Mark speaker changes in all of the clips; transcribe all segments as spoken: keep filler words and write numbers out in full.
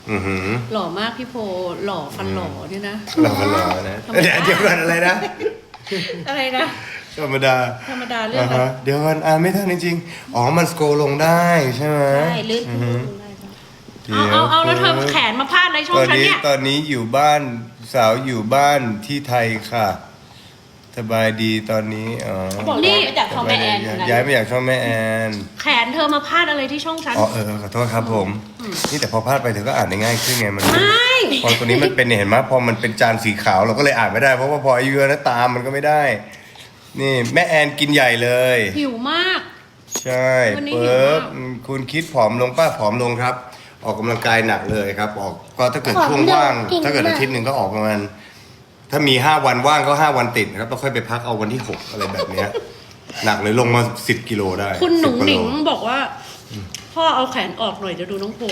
Speaker 1: อือหือ
Speaker 2: หล่อมากพี่โพหล่อฟันหล่อเนี่ยนะ
Speaker 1: หล่อกันหล่อนะเดี๋ยวเดี๋ยวกันอะไรนะ
Speaker 2: อะไรนะ
Speaker 1: ธรรมดา
Speaker 2: ธรรมดาเรื่องอะไร
Speaker 1: ฮะเดี๋ยวกันอ่านไม่ทันจริงๆอ๋อมันสโครลงได้ใช่ไหม
Speaker 3: ใช่ลื่น
Speaker 1: อื
Speaker 3: ขึ้
Speaker 1: อน หือ
Speaker 3: ได้ปะ
Speaker 2: เอาเอาเอาแล้วเธอแขนมาพาดอะไรช่อ
Speaker 1: ต
Speaker 2: ง
Speaker 1: อน
Speaker 2: ฉัน
Speaker 1: นี้
Speaker 2: เนี่ย
Speaker 1: ตอนนี้อยู่บ้านสาวอยู่บ้านที่ไทยค่ะ สบายดีตอนนี้อ๋อ
Speaker 3: บอกย้ายมาจากช่องแม่แอน
Speaker 1: ย้าย
Speaker 3: นะ
Speaker 1: ย้ายมาจากช่องแม่แอน
Speaker 2: แขนเธอมาพาดอะไรที่ช่องฉัน
Speaker 1: อ๋อเออขอโทษครับผม นี่แต่พอพลาดไปเธอก็อ่านได้ง่ายขึ้นไงมัน
Speaker 2: ไม่
Speaker 1: พอตัวนี้มันเป็นเนี่ยเห็นไหมพอมันเป็นจานสีขาวเราก็เลยอ่านไม่ได้เพราะว่าพออายุเยอะนะตามมันก็ไม่ได้ นี่แม่แอนกินใหญ่เลย
Speaker 2: หิวมาก
Speaker 1: ใช่
Speaker 2: วันนี้
Speaker 1: เปิ
Speaker 2: หิว
Speaker 1: บ
Speaker 2: มาก
Speaker 1: คุณคิดผอมลงป้าผอมลงครับ ออกกำลังกายหนักเลยครับ ออกก็ถ้าเกิดช่วงว่าง ถ้าเกิดอาทิตย์หนึ่งก็ออกประมาณถ้ามีห้าวันว่างก็ห้าวันติดนะครับต้องค่อยไปพักเอาวันที่หกอะไรแบบเนี้ยหนักเลยลงมาสิบกิโลได้
Speaker 2: คุณหนุ่ง
Speaker 1: สิบกว่า
Speaker 2: หนิ
Speaker 1: โล
Speaker 2: งบอกว่า พ่อเอาแขนออกหน่อยจะดูน้องโพ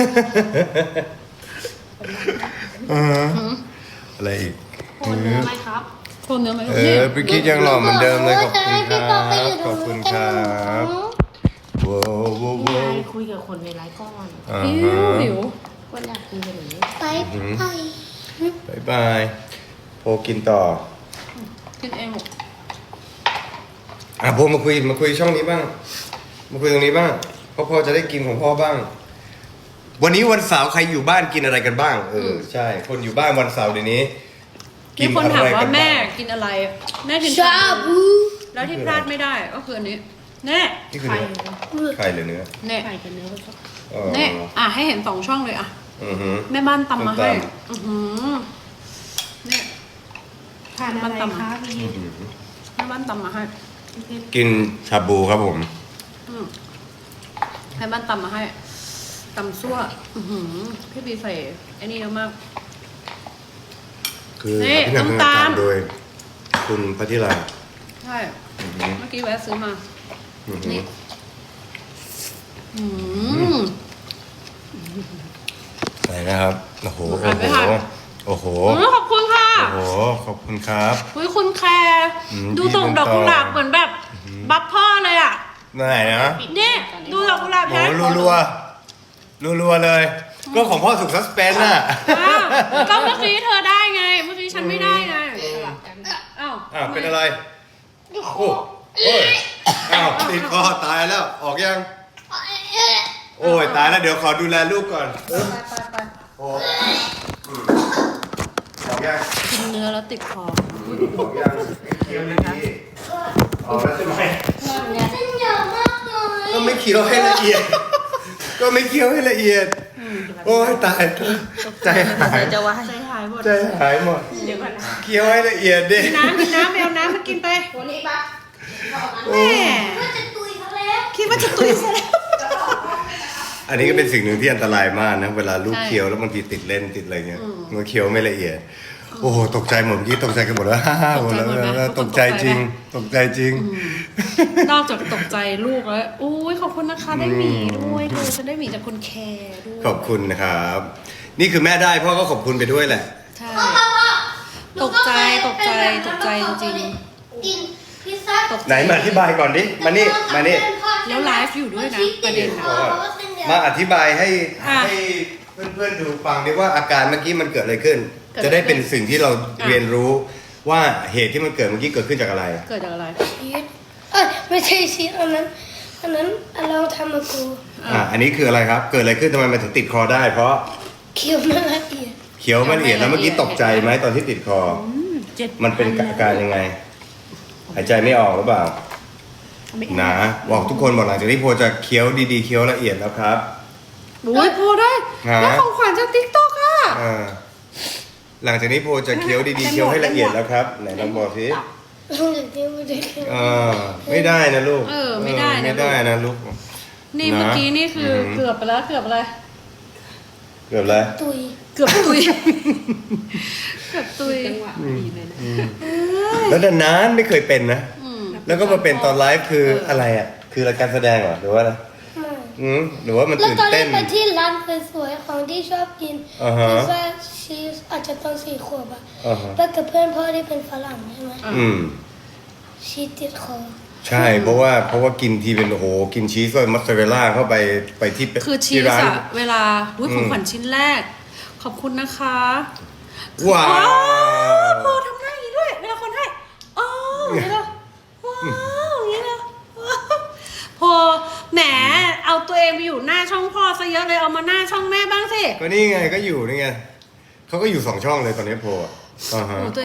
Speaker 1: เอออะไรอีก
Speaker 3: โอนเนื้อไหมครับ
Speaker 2: โคนเนื้อไหม
Speaker 1: เอ
Speaker 2: นี่
Speaker 1: อพี่คิดยังหล่อเหมือนเดิมเลยขอบคุณค
Speaker 4: พี่
Speaker 1: รั
Speaker 4: ปอไปอบ ยู่ต
Speaker 1: ข
Speaker 4: ร
Speaker 1: อง บ
Speaker 4: นู้
Speaker 1: คุ
Speaker 4: น
Speaker 1: ณ
Speaker 4: กั
Speaker 1: คน รับว้าวว้าว
Speaker 3: นี่ไง
Speaker 1: ว้าว
Speaker 3: คุยกับคนในไลฟ์ก่อน
Speaker 1: อ่า
Speaker 2: หิ
Speaker 1: ฮะ
Speaker 2: วหิว
Speaker 3: คนอยากกินแบบนี้
Speaker 4: ไปไป
Speaker 1: บายบายโพกินต่อ
Speaker 2: กินเองหมด
Speaker 1: อ่ะโพมาคุยมาคุยช่องนี้บ้าง มาคุยตรงนี้บ้างเพราะพ่อจะได้กินของพ่อบ้าง วันนี้วันเสาร์ใครอยู่บ้านกินอะไรกันบ้าง เออใช่ คนอยู่บ้านวันเสาร์เดี๋ยวนี้
Speaker 2: มีคนถามว่าแม่
Speaker 1: บ้ง
Speaker 2: กินอะไร แม่กิน
Speaker 4: ชาบู
Speaker 2: แล้วที่พลาดไม่ได้ก็คืออันนี้แน่
Speaker 1: นี่คือ
Speaker 3: ไข่
Speaker 1: เนื้อไข่หรือเนื้อ
Speaker 2: แน่
Speaker 3: ไข่กับเนื้อผสม
Speaker 1: อ๋อ
Speaker 2: แน่อ่ะให้เห็นสองช่องเลยอ่ะ
Speaker 1: อือหือ
Speaker 2: แม่บ้านตำมาให้
Speaker 1: ส้มต
Speaker 2: อือหือเนี่ย
Speaker 3: ทานอะไรคะพี่
Speaker 1: อื้อหือ
Speaker 2: แม่บ้านตำมาให้
Speaker 1: กินชาบูครับผม
Speaker 2: อืมแม่บ้านตำมาให้ตำซั่ว อือหือพี่บีใส่ไอ้นี่เยอะมาก
Speaker 1: คือ
Speaker 2: นี่
Speaker 1: พี่นำ
Speaker 2: น้ำตาล
Speaker 1: โดย คุณพัทธิรา
Speaker 2: ใช่
Speaker 1: อือหือ
Speaker 2: เมื่อกี้แวะซื้อมา
Speaker 1: อือหือ
Speaker 2: นี่ อืม
Speaker 1: อะไรนะครับ โอ้โห
Speaker 2: อ่า
Speaker 1: โอ้
Speaker 2: นไม่
Speaker 1: โห
Speaker 2: ทัน
Speaker 1: โอ้โห
Speaker 2: อืมขอบคุณค่ะ
Speaker 1: โอ้โห ขอบคุณครับ
Speaker 2: อุ้ยคุณแคร์
Speaker 1: อืม
Speaker 2: ดู
Speaker 1: พี่
Speaker 2: ส่ง
Speaker 1: เป็น
Speaker 2: ดอกกุหลาบ
Speaker 1: ต่อ
Speaker 2: เหมือนแบบ บัฟพ่อเลยอ่ะ
Speaker 1: ไหนนะ
Speaker 2: นี่ดูดอกกุหลาบ
Speaker 1: โอ้
Speaker 2: แพ้
Speaker 1: โหรัวรัวรัวๆเลย ก็ของพ่อสุกซัสเปนน่ะ
Speaker 2: อ้าวก็เมื่อกี้เธอได้ไง เมื่อกี้ฉันไม่ได้ไงอ้าว
Speaker 1: อ้าวเป็นอะไร โอ้โอ้ยอ้าวติดคอตายแล้ว ออกยัง โอ้ยตายแล้วเดี๋ยวขอดูแลลูกก่อน
Speaker 2: ไปไปไป
Speaker 1: โอ้อืมออกยัง
Speaker 2: กินเนื้อแล้วติดคอ
Speaker 1: ออกยังเคี้ยวดีๆออกแล้วใช่ไหม
Speaker 4: เส้นใหญ่มากเลย
Speaker 1: ก็ไม่เคี้ยวให้ละเอียด ก็ไม่เคี้ยวให้ละเอียด โอ้ยตายใจหาย
Speaker 3: จะว่า
Speaker 2: ใจหายหมด
Speaker 1: ใจหายหมด
Speaker 3: เดี๋ยวก่อนนะ
Speaker 1: เคี้ยวให้ละเอียดดิ
Speaker 2: น้ำกินน้ำไปเอาน้ำมากินไป
Speaker 3: วันนี้ปะ
Speaker 2: แม่
Speaker 4: ว่าจะตุยเขาแล้ว
Speaker 2: คิดว่าจะตุยซะแล้ว
Speaker 1: อันนี้ก็เป็นสิ่งหนึ่งที่อันตรายมากนะ เวลาลูก
Speaker 2: ใช่
Speaker 1: เคี้ยวแล้วบางทีติดเล่นติดอะไรเงี้ยมันเคี้ยวไม่ละเอียด โอ้โหตกใจหมดเมื่อกี้ตกใจกันหมดแล้ว ฮ่าฮ่าหมดแล้ว
Speaker 2: ตกใจหมดไหม
Speaker 1: ตกใจจริง ตกใจจริง
Speaker 2: นอกจากตกใจลูกแล้วอุ้ยขอบคุณนะคะได้หมีด้วยเธอฉันได้หมีจากคุณแคร์ด้วย
Speaker 1: ขอบคุณนะครับ นี่คือแม่ได้พ่อก็ขอบคุณไปด้วยแหละ
Speaker 2: ใช่ ตกใจตกใจตกใจจริง
Speaker 4: กินพิซซ่า
Speaker 2: ตกใจ
Speaker 1: ไหนมาอธิบายก่อนดิ มานี่ มานี่
Speaker 2: แล้วไลฟ์อยู่ด้วยนะประเด็นอะ
Speaker 1: มาอธิบายให้
Speaker 2: อ่ะ
Speaker 1: ให้เพื่อนๆดูฟังดิว่าอาการเมื่อกี้มันเกิดอะไรขึ้น
Speaker 2: เกิดอะไร
Speaker 1: จะได้เป็นสิ่งที่เรา
Speaker 2: อ่ะ
Speaker 1: เรียนรู้ว่าเหตุที่มันเกิดเมื่อกี้เกิดขึ้นจากอะไร
Speaker 2: เกิดจากอะไร
Speaker 4: ชีสเอ้ยไม่ใช่ชีสอันนั้นอันนั้นเราทำมากู
Speaker 1: อ่ะอันนี้คืออะไรครับ เกิดอะไรขึ้นทำไมมันถึงติดคอได้ เพราะ
Speaker 4: เคี้ยวไม่ละเอียด
Speaker 1: เคี้ยวไม่ละเอียดแล้วเมื่อกี้ตกใจไหมตอนที่ติดคอ
Speaker 2: เจ็ด
Speaker 1: มันเป็นอาการยังไง หายใจไม่ออกหรือเปล่านะบอกทุกคนบอกหลังจากนี้โพจะเคี้ยวดีๆเคี้ยวละเอียดแล้วครับ
Speaker 2: อุ้ยพอได้
Speaker 1: ฮะ
Speaker 2: ได้ของขวัญจากติ๊กต็อกอ่ะ
Speaker 1: อ่าหลังจากนี้โพจะเคี้ยวดีๆเคี้ยวให้ละเอียดแล้วครับไหนลองบอกสิ
Speaker 4: เดี๋ยวเดี๋ยวเดี๋ยว
Speaker 1: อ่าไม่ได้นะลูก
Speaker 2: เออไม่ได้นะ
Speaker 1: ไม่ได้นะลูก
Speaker 2: นี่
Speaker 1: นะ
Speaker 2: เมื่อกี้นี่คืออ
Speaker 1: อหือ
Speaker 2: เกือบไปแล้วเกือบอะไร
Speaker 1: เกือบแล้ว
Speaker 4: ตุย
Speaker 2: เกือบตุย เกือบตุย
Speaker 3: จังหวะดีเลยนะ
Speaker 1: แล้วนานๆไม่เคยเป็นนะ
Speaker 2: อืม
Speaker 1: แล้วก็มาเป็นตอนไลฟ์คืออะไรอ่ะ คือรายการแสดงเหรอหรือว่าอะไร
Speaker 4: ไม่
Speaker 1: อืมหรือว่ามัน
Speaker 4: แล้ว
Speaker 1: ตื่น
Speaker 4: ตอนแร
Speaker 1: เต้
Speaker 4: ก
Speaker 1: น
Speaker 4: ไปที่ร้านสวยๆของที่ชอบกิน
Speaker 1: อ่าฮะ
Speaker 4: พิซซ่าชีสอาจจะตอนสี่ขวบอะ
Speaker 1: อ่าฮะ
Speaker 4: แล้วกับเพื่อนพ่อที่เป็นฝรั่งใช่ไหม
Speaker 1: อืม
Speaker 4: ชีสติดคอ
Speaker 1: ใช่เพราะว่าเพราะว่ากินทีเป็นโอ้โหกินชีสด้วยมัสซาเรลล่าเข้าไปไปที่
Speaker 2: คือชี
Speaker 1: ที่
Speaker 2: ส
Speaker 1: ร้าน
Speaker 2: อะเวลาอุ้ย
Speaker 1: อืม
Speaker 2: ของขวัญชิ้นแรก ขอบคุณนะคะ
Speaker 1: ว้าว
Speaker 2: พอทำหน้าอย่างนี้ด้วยเวลาคนให้อ๋ออย่างนี้เลยว้าวอย่างนี้เลยว้าวพอแหมเอาตัวเองไปอยู่หน้าช่องพ่อซะเยอะเลยเอามาหน้าช่องแม่บ้างสิ
Speaker 1: ก็นี่ไงก็อยู่นี่ไงเขาก็อยู่สองช่องเลยตอนนี้โพลอ่ะอ่าฮะ
Speaker 2: โอ้ตัว